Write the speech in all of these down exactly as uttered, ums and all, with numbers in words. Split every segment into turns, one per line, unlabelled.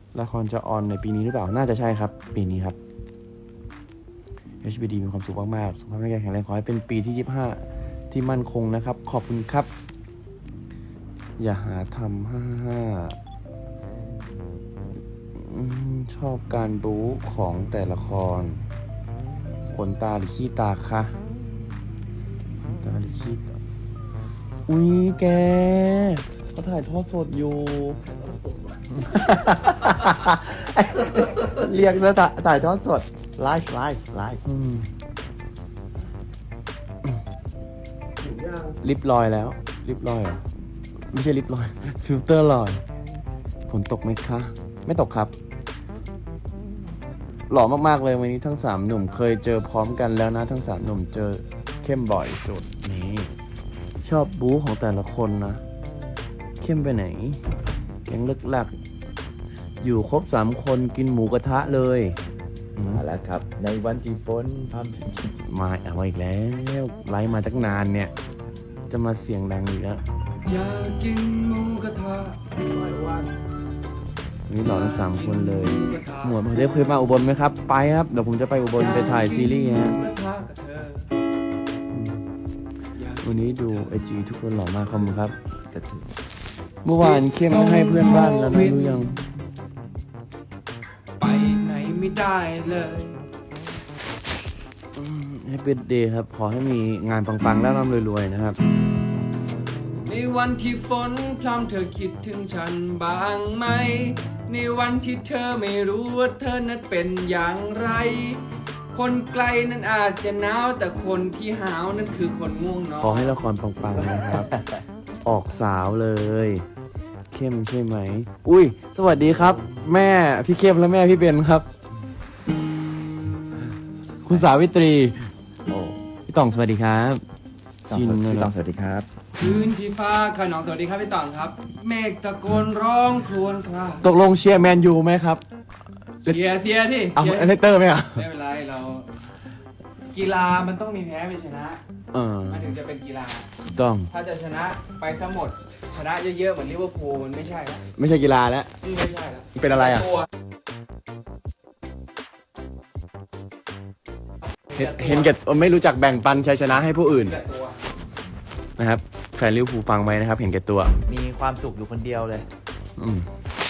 ละครจะออนในปีนี้หรือเปล่าน่าจะใช่ครับปีนี้ครับ เอช บี ดี มีความสุขมากๆสุขภาพร่างกายแข็งแรงขอให้เป็นปีที่ยี่สิบห้าที่มั่นคงนะครับขอบคุณครับอย่าหาทำห้าห้าชอบการบู๊ของแต่ละครขนตาหรือขี้ตาคะขนตาหรือขี้ตาอุ้ยแกเขาถ่ายทอดสดอยู่ เรียกแล้วถ่ายทอดสดไลฟ์ไลฟ์ไลฟ์ลิปลอยแล้วลิปลอยเหรอไม่ใช่ลิปลอยฟิลเตอร์ลอยฝนตกไหมคะไม่ตกครับหล่อมากๆเลยวันนี้ทั้งสามหนุ่มเคยเจอพร้อมกันแล้วนะทั้งสามหนุ่มเจอเข้มบ่อยสุดนี่ชอบบู๊ของแต่ละคนนะเข้มไปไหนแก๊งลึกหลักอยู่ครบสามคนกินหมูกระทะเลย
มาแล้วครับในวันที่ฝนพรำ
มาเอาอีกแล้วไลฟ์มาตั้งนานเนี่ยจะมาเสียงดังอีกแล้ว
อยากกินหมูกระทะร้อยวัน
นี่หล่อทั้งสามคนเลยหมวดเทพเคยมาอุบลไหมครับไปครับเดี๋ยวผมจะไปอุบลไปถ่ายซีรีส์ฮะวันนี้ดูไอจีทุกคนหล่อมากขอบคุณครับเมื่อวานเข้มให้เพื่อนบ้านแล้วนะรู้ยัง
ไปไหนไม่ได้เลย
ให้เป็นเดย์ครับขอให้มีงานปังๆแล้วร่ำรวยๆนะครับ
ในวันที่ฝนพรำเธอคิดถึงฉันบ้างไหมในวันที่เธอไม่รู้ว่าเธอนั้นเป็นอย่างไรคนไกลนั้นอาจจะหนาวแต่คนที่หาวนั้นคือคนง่วงนอน
ขอให้ละครปังๆนะครับ ออกสาวเลยเข้มใช่ไหมอุ้ยสวัสดีครับแม่พี่เข้มและแม่พี่เบนครับคุณสาวิตรีโอ้พี่ต่องสวัสดีครับ
จินพี่ต่องสวัสดีครับ
คืนที่ฟ้าขนองสวัสดีครับพี่ต่องครับเมฆตะโกนร้องครวญคราง
ตกลงเชียร์แมนยูไหมครับ
เชียร์เชียร์ที่
เอาเลเตอร์ไหมอ่ะ
ไม่เป็นไรเรากีฬามันต้องมีแพ้มีชนะมันถึงจะเป็นกีฬา
ต้อง
ถ้าจะชนะไปซะหมดชนะเยอะๆเหมือนลิเวอร์พูลมันไม่ใช่แล้ว
ไม่ใช่กีฬาแล้ว
นี่ไม่ใช่แล้ว
เป็นอะไรอ่ะเห็นแก่ไม่รู้จักแบ่งปันชัยชนะให้ผู้อื่นนะครับแฟนลิเวอร์พูลฟังไหมนะครับเห็นแก่ตัว
มีความสุขอยู่คนเดียวเลย
อืม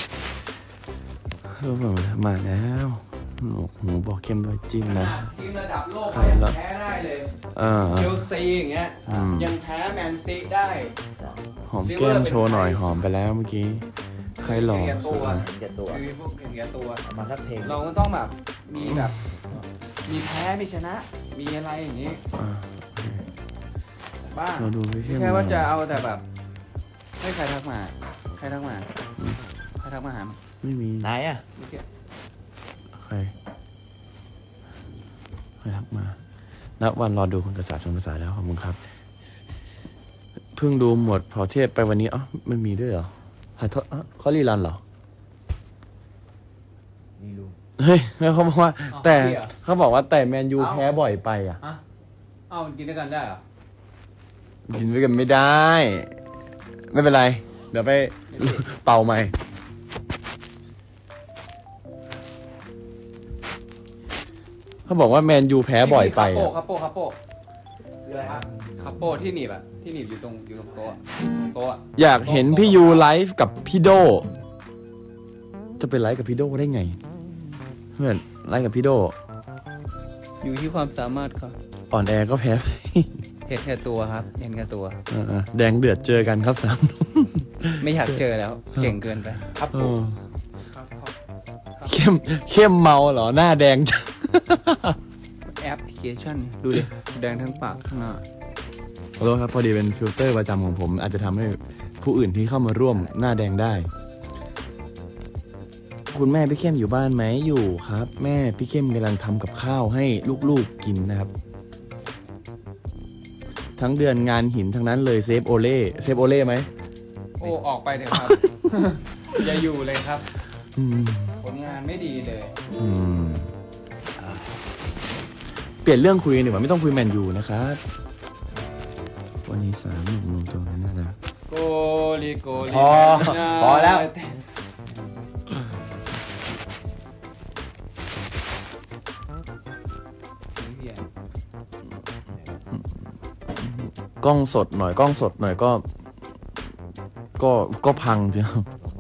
มาแล้วหนูบอกเข้มด้วยจิ้มนะ
ทีมระดับโลกยังแพ้ได้เลยเชลซีอย่างเงี้ยยังแพ้แมนซีได้
หอมแก้มโชว์หน่อยหอมไปแล้วเมื่อกี้ใครหล่อสุด
เห็นแก่ตัวคือพวกเห็นแก่ตัว
มาสักเพลง
เราก็ต้องแบบมีแบบมีแพ้มีชนะมีอะไรอย่างนี้บ้างไม่ใช่ว่าจะเอาแต่แบบให้ใครทักมาใครทักมาใครทักมาหา
ไม่มี
ไหนอ่ะ
ใครใครทักมานับวันรอดูคุณกษาชนภาษาแล้วขอบคุณครับเพิ่งดูหมดพอเทศไปวันนี้อ๋อไม่มีด้วยเหรอถ่ายทอดเขารีรันเหรอ
นี่รู้
เฮ้ยเขาบอกว่าแต่เขาบอกว่าแต่แมนยูแพ้บ่อยไปอ่ะ
เอ้ามันกินด้วยกันได้เหรอ
กินด้วยกันไม่ได้ไม่เป็นไรเดี๋ยวไปเป่าใหม่เขาบอกว่าแมนยูแพ้บ่อยไป
อ่ะคาโปคาโปคืออะไรครับคาโปที่หนีบอ่ะที่หนีบอยู่ตรงอยู่ตรงโต๊ะโต๊ะ
อยากเห็นพี่ยูไลฟ์กับพี่โดจะเป็นไลฟ์กับพี่โดได้ไงเพื่อนไลฟ์กับพี่โด
อยู่ที่ความสามารถครับ
อ่อนแอก็แพ้
เห็นแค่ตัวครับเห็นแค่ตัว
แดงเดือดเจอกันครับสาม
ไม่อยากเจอแล้วเก่งเกินไป
ครับ
เข้มเข้มเมาเหรอหน้าแดงจัง
แอปพลิเคชันดูดิแดงทั้งปากทั้งหน้า
ขอโทษครับพอดีเป็นฟิลเตอร์ประจำของผมอาจจะทำให้ผู้อื่นที่เข้ามาร่วมหน้าแดงได้คุณแม่พี่เข้มอยู่บ้านไหมอยู่ครับแม่พี่เข้มกำลังทำกับข้าวให้ลูกๆกินนะครับทั้งเดือนงานหินทั้งนั้นเลยเซฟโอเล่เซฟโอเล่ไหม
โอ้ออกไปเถอะครับอย่าอยู่เลยครับผลงานไม่ดีเลย
เปลี่ยนเรื่องคุยหนึ่งว่าไม่ต้องคุยแมนยูนะครับวันนี้สามหนุ่มลงตัวน่ารัก
โกลีโกลี
พอพอแล้ว
กล้องสดหน่อยกล้องสดหน่อยก็ ก็ก็พังจริง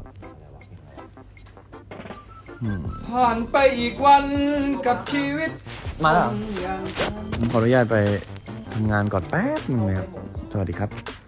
อืม
ผ่านไปอีกวันกับชีวิต
มาแล้ว
อย่าง
ผมขออนุญาตไปทำงานก่อนแป๊บนึงนะครับ สวัสดีครับ